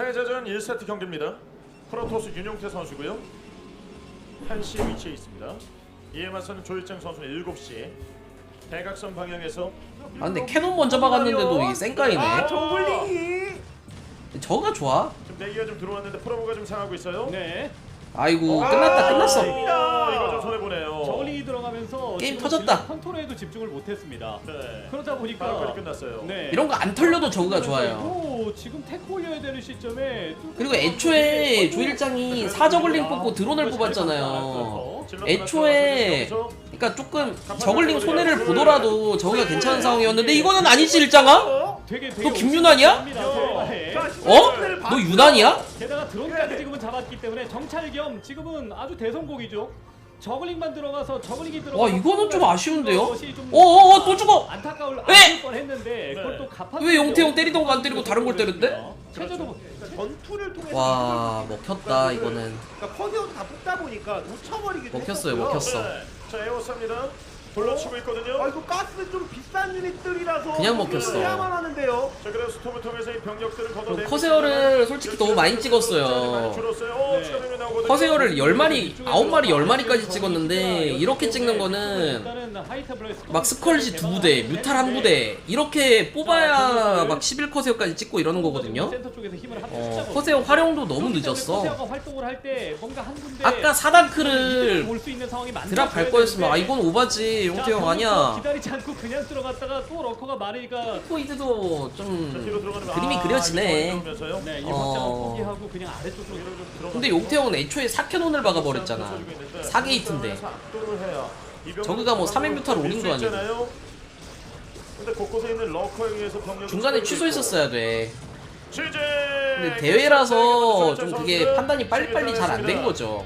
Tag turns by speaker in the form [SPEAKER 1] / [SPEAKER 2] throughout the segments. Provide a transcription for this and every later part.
[SPEAKER 1] 패자전 1세트 경기입니다. 프로토스 윤용태 선수고요. 1시 위치에 있습니다. 이에 맞서는 조일장 선수는 7시 대각선 방향에서.
[SPEAKER 2] 아 근데 캐논 먼저 박았는데도 이게 쌩까이네.
[SPEAKER 3] 저글링이
[SPEAKER 2] 저가 좋아.
[SPEAKER 1] 지금 내기가 좀 들어왔는데 프로브가 좀 상하고 있어요.
[SPEAKER 3] 네.
[SPEAKER 2] 아이고 끝났어.
[SPEAKER 1] 이거 좀 손해 보네요.
[SPEAKER 3] 저글링이 들어가면서
[SPEAKER 2] 게임
[SPEAKER 3] 지금
[SPEAKER 2] 터졌다.
[SPEAKER 3] 질럿 컨트롤에도 집중을 못했습니다.
[SPEAKER 1] 네.
[SPEAKER 3] 그러다 보니까
[SPEAKER 1] 바로 끝났어요.
[SPEAKER 3] 네.
[SPEAKER 2] 이런 거 안 털려도 저그가 좋아요.
[SPEAKER 3] 오, 지금 테크 올려야 되는 시점에
[SPEAKER 2] 그리고 애초에 조일장이 사저글링 뽑고 드론을 뽑았잖아요. 애초에 그러니까 조금 저글링 손해를 보더라도 저기가 괜찮은 상황이었는데 이거는 아니지 일장아?
[SPEAKER 3] 되게
[SPEAKER 2] 너 김윤환이야?
[SPEAKER 3] 네.
[SPEAKER 2] 어? 너 유난이야?
[SPEAKER 3] 게다가 드론까지 지금은 잡았기 때문에 정찰 겸 지금은 아주 대성공이죠. 저글링만 들어가서 저글링이 들어가.
[SPEAKER 2] 와 이거는 좀 아쉬운데요? 어어어 또 죽어!
[SPEAKER 3] 안타까울
[SPEAKER 2] 왜?
[SPEAKER 3] 뻔했는데 그걸 또 갚아.
[SPEAKER 2] 왜 영태형 때리던 거 안 때리고 다른 걸 때렸대?
[SPEAKER 3] 최저도
[SPEAKER 4] 전투를 통해서
[SPEAKER 2] 와 먹혔다 이거는.
[SPEAKER 4] 그러니까 퍼세어도 다 뽑다 보니까 놓쳐버리기도
[SPEAKER 2] 먹혔어요,
[SPEAKER 4] 했었고요.
[SPEAKER 2] 먹혔어.
[SPEAKER 1] 네. 자 에어쌉니다. 불러치고 있거든요.
[SPEAKER 4] 아 이거 가스 좀 비싼 유닛들이라서
[SPEAKER 2] 그냥 먹혔어.
[SPEAKER 4] 해야만 하는데요.
[SPEAKER 1] 자 그래서 스톰을 통해서 이 병력들을 걷어내고
[SPEAKER 2] 커세어를 솔직히 너무 많이 찍었어요.
[SPEAKER 1] 많이 줄었어요. 오,
[SPEAKER 3] 네.
[SPEAKER 1] 추가 병력 나오거든요.
[SPEAKER 2] 커세어를 10마리, 9마리, 10마리까지 찍었는데 이렇게 찍는 거는 막 스컬지 2부대, 뮤탈 1부대 이렇게 뽑아야 막 11커세어까지 찍고 이러는 거거든요. 커세어 활용도 너무 늦었어.
[SPEAKER 3] 활동을 할 때 뭔가 한 군데
[SPEAKER 2] 아까 4단크를
[SPEAKER 3] 올수 있는 상황이
[SPEAKER 2] 드랍 갈 거였으면 아 이건 오바지 용태형 아니야.
[SPEAKER 3] 기다리지 않고 그냥 들어갔다가 또 러커가 많으니까
[SPEAKER 2] 포이드도
[SPEAKER 1] 자,
[SPEAKER 2] 좀
[SPEAKER 1] 뒤로 들어가는
[SPEAKER 2] 그림이
[SPEAKER 1] 아,
[SPEAKER 2] 그려지네.
[SPEAKER 1] 이거 들어오면서요.
[SPEAKER 3] 네, 이
[SPEAKER 2] 어.
[SPEAKER 3] 확장을 포기하고 그냥 아래쪽으로
[SPEAKER 2] 근데 용태형은 애초에 4캐논을 박아버렸잖아. 4게이트인데 저그가 뭐 3회 뮤탈 올린 거 아니고.
[SPEAKER 1] 근데 곳곳에 있는 러커에 의해서 병력이
[SPEAKER 2] 중간에 취소했었어야 돼.
[SPEAKER 1] 취재.
[SPEAKER 2] 근데 대회라서 좀 그게 판단이 빨리빨리 잘 안 된 거죠.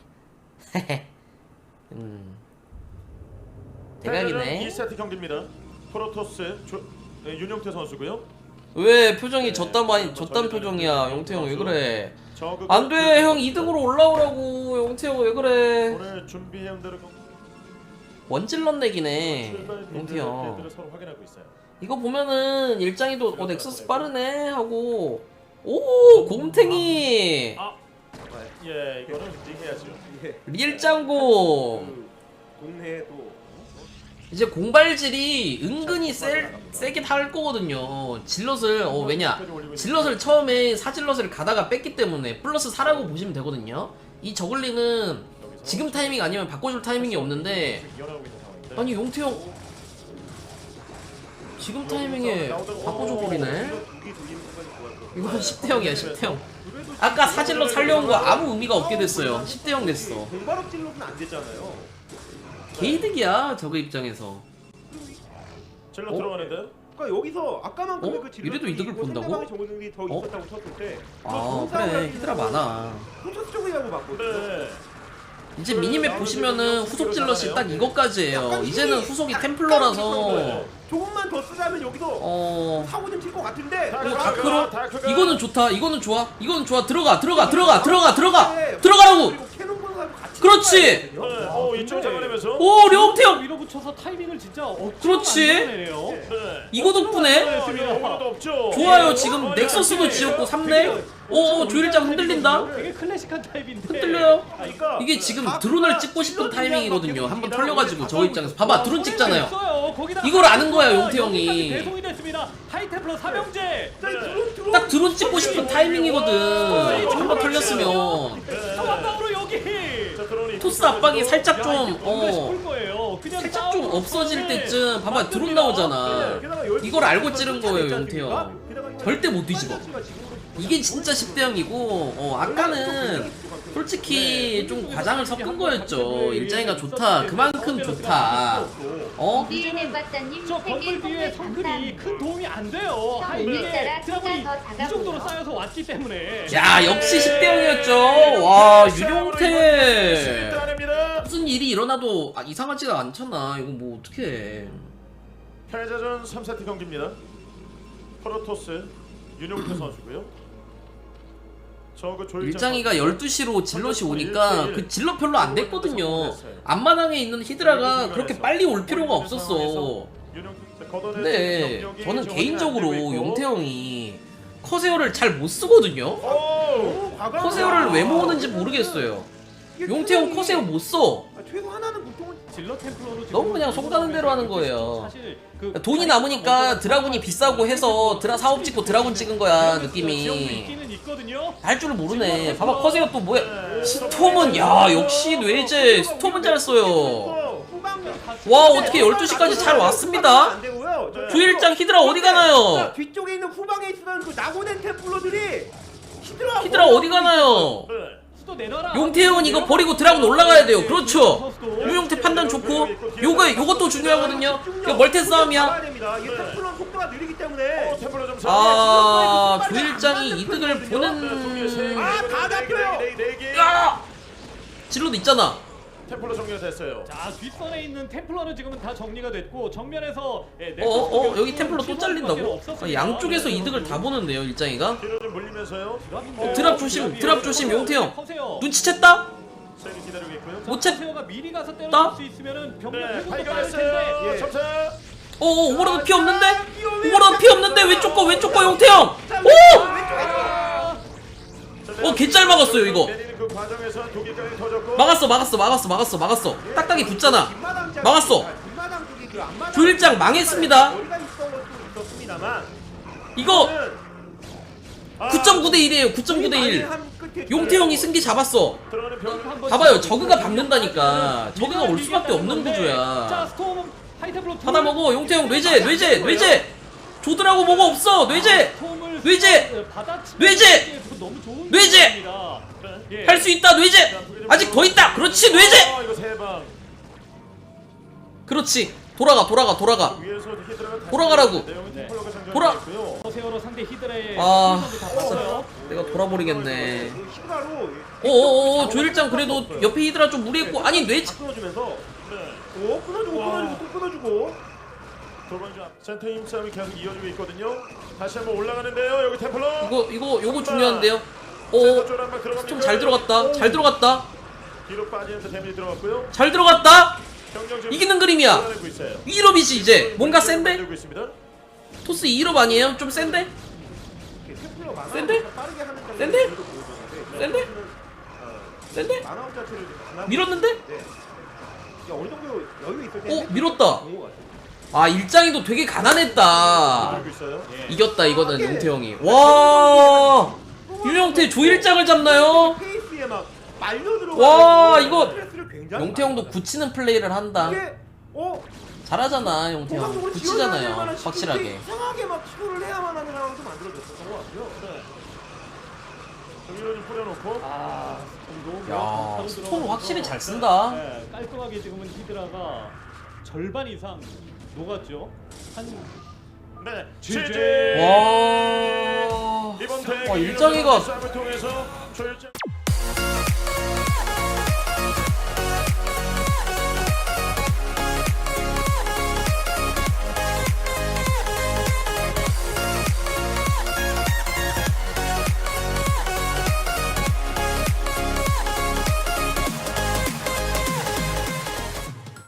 [SPEAKER 2] 대박이네.
[SPEAKER 1] 2세트 경기입니다. 프로토스 윤용태 선수고요.
[SPEAKER 2] 왜 표정이 졌단 표정이야 용태형 왜 그래. 안돼 형 2등으로 올라오라고 용태형 왜 그래.
[SPEAKER 1] 오늘 준비해온 대로
[SPEAKER 2] 원질럿 내기네 용태형.
[SPEAKER 1] 서로 확인하고 있어요.
[SPEAKER 2] 이거 보면은 일장이도 넥서스 빠르네 하고 오 곰탱이
[SPEAKER 1] 예, 이거는 얘기해야죠.
[SPEAKER 2] 리일장고
[SPEAKER 4] 동네에도
[SPEAKER 2] 이제 공발질이 은근히 세게 달 거거든요. 질럿을 왜냐 질럿을 처음에 사질럿을 가다가 뺐기 때문에 플러스 4라고 보시면 되거든요. 이 저글링은 지금 타이밍 아니면 바꿔줄 타이밍이 없는데 아니 용태형 지금 타이밍에 바꿔줘 버리네. 이건 10대0이야 10대0. 아까 사질럿 살려온 거 아무 의미가 없게 됐어요. 10대0 됐어.
[SPEAKER 4] 공발업 진로는 안 됐잖아요.
[SPEAKER 2] 개이득이야 저그 입장에서.
[SPEAKER 1] 질러 들어가는데.
[SPEAKER 4] 그러니까 여기서 아까만큼의
[SPEAKER 2] 어?
[SPEAKER 4] 그
[SPEAKER 2] 이래도 이득을 본다고?
[SPEAKER 4] 상대방의 정글링이 더 있었다고 쳤을 때
[SPEAKER 2] 아 그래 히드라 많아.
[SPEAKER 4] 포토스 쪽이라고 봤거든요.
[SPEAKER 1] 네.
[SPEAKER 2] 이제 미니맵 보시면은 후속 질럿이 딱 이것까지예요. 이제는 후속이 템플러라서
[SPEAKER 4] 조금만 더 쓰자면 여기서 사고 좀 칠 것 같은데.
[SPEAKER 2] 다크로 이거는 좋다. 이거는 좋아. 이거는 좋아. 들어가라고.
[SPEAKER 4] 그리고 캐논 보는 사람 같이
[SPEAKER 2] 그렇지.
[SPEAKER 1] 이쪽 잡아내면서.
[SPEAKER 2] 오 령태형.
[SPEAKER 3] 밀어붙여서 타이밍을 진짜
[SPEAKER 2] 그렇지.
[SPEAKER 3] 만들어내네요.
[SPEAKER 1] 네.
[SPEAKER 2] 이거 덕분에
[SPEAKER 1] 아무것도 없죠.
[SPEAKER 2] 좋아요. 지금 넥서스도 지었고 3렙. 오 조일장 흔들린다.
[SPEAKER 3] 되게 클래식한 타입인데
[SPEAKER 2] 흔들려요.
[SPEAKER 1] 그러니까
[SPEAKER 2] 이게 지금 드론을 찍고 싶은 타이밍이거든요. 한번 털려가지고 저 입장에서 봐봐 드론 찍잖아요. 이걸 아는 거야 용태 형이.
[SPEAKER 3] 대송이 됐습니다. 하이템플러 삼형제.
[SPEAKER 2] 딱 드론 찍고 싶은 타이밍이거든. 한번 털렸으면
[SPEAKER 3] 상황으로 여기.
[SPEAKER 2] 토스 압박이 살짝 좀
[SPEAKER 3] 그냥
[SPEAKER 2] 살짝 좀 없어질 때쯤 봐봐 드론 나오잖아. 이걸 알고 찌른 거예요 용태 형. 절대 못 뒤집어. 이게 진짜 10대0이고 아까는 솔직히 좀 과장을 섞은 거였죠. 일장이가 좋다 그만큼 좋다.
[SPEAKER 5] DNM 박사님
[SPEAKER 3] 저
[SPEAKER 5] 세계
[SPEAKER 3] 건물 뒤에
[SPEAKER 5] 선물
[SPEAKER 3] 성글이
[SPEAKER 5] 감사합니다.
[SPEAKER 3] 큰 도움이 안 돼요.
[SPEAKER 5] 오늘따라
[SPEAKER 3] 드라군이
[SPEAKER 5] 키가 더 작아
[SPEAKER 3] 이 정도로
[SPEAKER 5] 보여.
[SPEAKER 3] 쌓여서 왔기 때문에.
[SPEAKER 2] 야 역시 10대0이었죠. 와 윤용태
[SPEAKER 1] 아닙니다.
[SPEAKER 2] 무슨 일이 일어나도 이상하지가 않잖아. 이거 뭐 어떡해.
[SPEAKER 1] 패자전 3세트 경기입니다. 프로토스 윤용태 선수고요.
[SPEAKER 2] 일장이가 12시로 질럿이 오니까 그 질럿 별로 안 됐거든요. 앞마당에 있는 히드라가 그렇게 빨리 올 필요가 없었어. 근데 저는 개인적으로 용태형이 커세어를 잘 못 쓰거든요.
[SPEAKER 1] 오!
[SPEAKER 2] 커세어를 왜 모으는지 모르겠어요. 용태형 커세어 못 써.
[SPEAKER 4] 최소 하나는 보통은
[SPEAKER 3] 질러 템플러로 지금
[SPEAKER 2] 너무 그냥 속다는 대로 하는 거예요.
[SPEAKER 3] 사실 그
[SPEAKER 2] 돈이 남으니까 드라군이 비싸고 해서 사업 짓고 드라군 찍은 거야
[SPEAKER 3] 지역도
[SPEAKER 2] 느낌이.
[SPEAKER 3] 있기는 있거든요.
[SPEAKER 2] 할 줄을 모르네. 봐봐 커세어 또 뭐야. 스톰은 야 역시 뇌제 스톰은 잘 써요. 와 어떻게 12시까지 잘 왔습니다.
[SPEAKER 4] 안 되고요.
[SPEAKER 2] 주일장 히드라 어디 가나요?
[SPEAKER 4] 뒤쪽에 있는 후방에 있던 그 낙오된 템플러들이
[SPEAKER 2] 히드라 어디 가나요?
[SPEAKER 1] 네.
[SPEAKER 3] 수도 내놔라.
[SPEAKER 2] 용태형은 이거 버리고 드라군 올라가야 돼요. 그렇죠. 유용태 판단 좋고 요것도 중요하거든요. 이거 멀티 싸움이야.
[SPEAKER 4] 이게 템플러 속도가 느리기 때문에
[SPEAKER 1] 템플러 좀
[SPEAKER 2] 아 주일장이 이득을 보는.
[SPEAKER 4] 다 잡혀요.
[SPEAKER 2] 야! 질러도 있잖아.
[SPEAKER 1] 템플러 정리가 됐어요.
[SPEAKER 3] 자 뒷선에 있는 템플러는 지금은 다 정리가 됐고 정면에서
[SPEAKER 2] 여기 템플러 또 잘린다고? 아, 양쪽에서 이득을 다 보는데요 일장이가.
[SPEAKER 1] 뒤로 좀 물리면서요.
[SPEAKER 2] 드랍 조심 용태형.
[SPEAKER 3] 커세요.
[SPEAKER 2] 눈치챘다?
[SPEAKER 1] 세게 기다리고 있고요.
[SPEAKER 2] 못 챘.
[SPEAKER 3] 커세어가 미리 가서
[SPEAKER 2] 따?
[SPEAKER 3] 때려줄 수 있으면은 병력
[SPEAKER 1] 네,
[SPEAKER 3] 회복도 빠를 텐데.
[SPEAKER 1] 발견했어요.
[SPEAKER 4] 예.
[SPEAKER 1] 점차.
[SPEAKER 2] 오버로드 피 없는데? 오버로드 피 없는데 왼쪽 거 용태형. 오! 개잘 막았어요 이거.
[SPEAKER 1] 내리는 그 과정에서 독일까지 터졌고.
[SPEAKER 2] 막았어. 딱딱이 붙잖아. 막았어.
[SPEAKER 4] 뒷마당 쪽이 그 앞마당
[SPEAKER 2] 조일장 망했습니다.
[SPEAKER 4] 머리가 있었던 것도 있었습니다만
[SPEAKER 2] 이거
[SPEAKER 1] 아,
[SPEAKER 2] 9.9대 1이에요. 9.9대 1. 용태형이 승기 잡았어.
[SPEAKER 1] 들어가는 병.
[SPEAKER 2] 봐봐요. 저그가 박는다니까. 저그가 올 수밖에 없는
[SPEAKER 3] 자
[SPEAKER 2] 구조야.
[SPEAKER 3] 스톰 하이템플러
[SPEAKER 2] 받아 먹어. 용태형 뇌제. 조드라고 뭐가 없어. 뇌제.
[SPEAKER 3] 너무 좋은
[SPEAKER 2] 뇌제!
[SPEAKER 3] 기회입니다. 예.
[SPEAKER 2] 할 수 있다. 뇌제. 아직 더 있다. 그렇지. 뇌제.
[SPEAKER 1] 이거 세 방.
[SPEAKER 2] 그렇지. 돌아가.
[SPEAKER 1] 위에서 히드라가 다시
[SPEAKER 2] 돌아가라고.
[SPEAKER 1] 내용은 템플러가 장전이
[SPEAKER 2] 돌아.
[SPEAKER 1] 됐고요.
[SPEAKER 3] 커세어로 상대 히드라의
[SPEAKER 2] 아,
[SPEAKER 3] 공격도 다 봤어요.
[SPEAKER 2] 내가 돌아버리겠네.
[SPEAKER 4] 히드라로
[SPEAKER 2] 오오오 조일장 그래도 옆에 히드라 좀 무리했고 아니 뇌제.
[SPEAKER 4] 끊어주면서
[SPEAKER 1] 네.
[SPEAKER 4] 끊어주고 또 끊어주고
[SPEAKER 1] 두 번째 센터 힘싸움이 계속 이어지고 있거든요. 다시 한번 올라가는데요. 여기 템플러.
[SPEAKER 2] 요거 중요한데요. 오
[SPEAKER 1] 센터 쪽 한번 들어갑니다.
[SPEAKER 2] 좀 잘 들어갔다.
[SPEAKER 1] 뒤로 빠지면서 데미지 들어갔고요.
[SPEAKER 2] 잘 들어갔다.
[SPEAKER 1] 병력 지금
[SPEAKER 2] 이기는 그림이야.
[SPEAKER 1] 몰아내고 있어요.
[SPEAKER 2] 2일업이지 이제. 뭔가 센데?
[SPEAKER 1] 만들고 있습니다.
[SPEAKER 2] 토스 2일업 아니에요? 좀 센데?
[SPEAKER 4] 템플러 만화
[SPEAKER 2] 센데?
[SPEAKER 4] 빠르게 하는 장면이
[SPEAKER 2] 센데?
[SPEAKER 4] 그래도 보여줬는데
[SPEAKER 2] 센데? 센데?
[SPEAKER 4] 만화 자체를 강하게
[SPEAKER 2] 밀었는데?
[SPEAKER 4] 네. 어느 정도 여유 있을 때
[SPEAKER 2] 밀었다.
[SPEAKER 4] 좋은 것 같아요.
[SPEAKER 2] 아 일장이도 되게 가난했다.
[SPEAKER 1] 들고 있어요.
[SPEAKER 2] 이겼다 이거는 용태형이. 와 유영태 조일장을 잡나요?
[SPEAKER 4] 페이스에 막 말려 들어가.
[SPEAKER 2] 와, 이거
[SPEAKER 4] 굉장히
[SPEAKER 2] 용태형도
[SPEAKER 4] 많아요.
[SPEAKER 2] 굳히는 플레이를 한다.
[SPEAKER 4] 이게
[SPEAKER 2] 잘하잖아 용태형.
[SPEAKER 4] 공격적으로
[SPEAKER 2] 굳히잖아요
[SPEAKER 4] 지원해야 될 만한
[SPEAKER 2] 확실하게.
[SPEAKER 4] 시스템이 이상하게 막 시도를 해야만 하는 상황도 만들어졌던 것 같고요.
[SPEAKER 1] 여기로 좀 뿌려놓고.
[SPEAKER 3] 아 스톰도
[SPEAKER 2] 야 스톰 확실히 잘 쓴다.
[SPEAKER 3] 네, 깔끔하게 지금은 히드라가 절반 이상 녹았죠. 한
[SPEAKER 1] 네.
[SPEAKER 3] GG.
[SPEAKER 2] 와
[SPEAKER 1] 이번 대회
[SPEAKER 2] 일장이가
[SPEAKER 1] 싸움을 통해서 조일장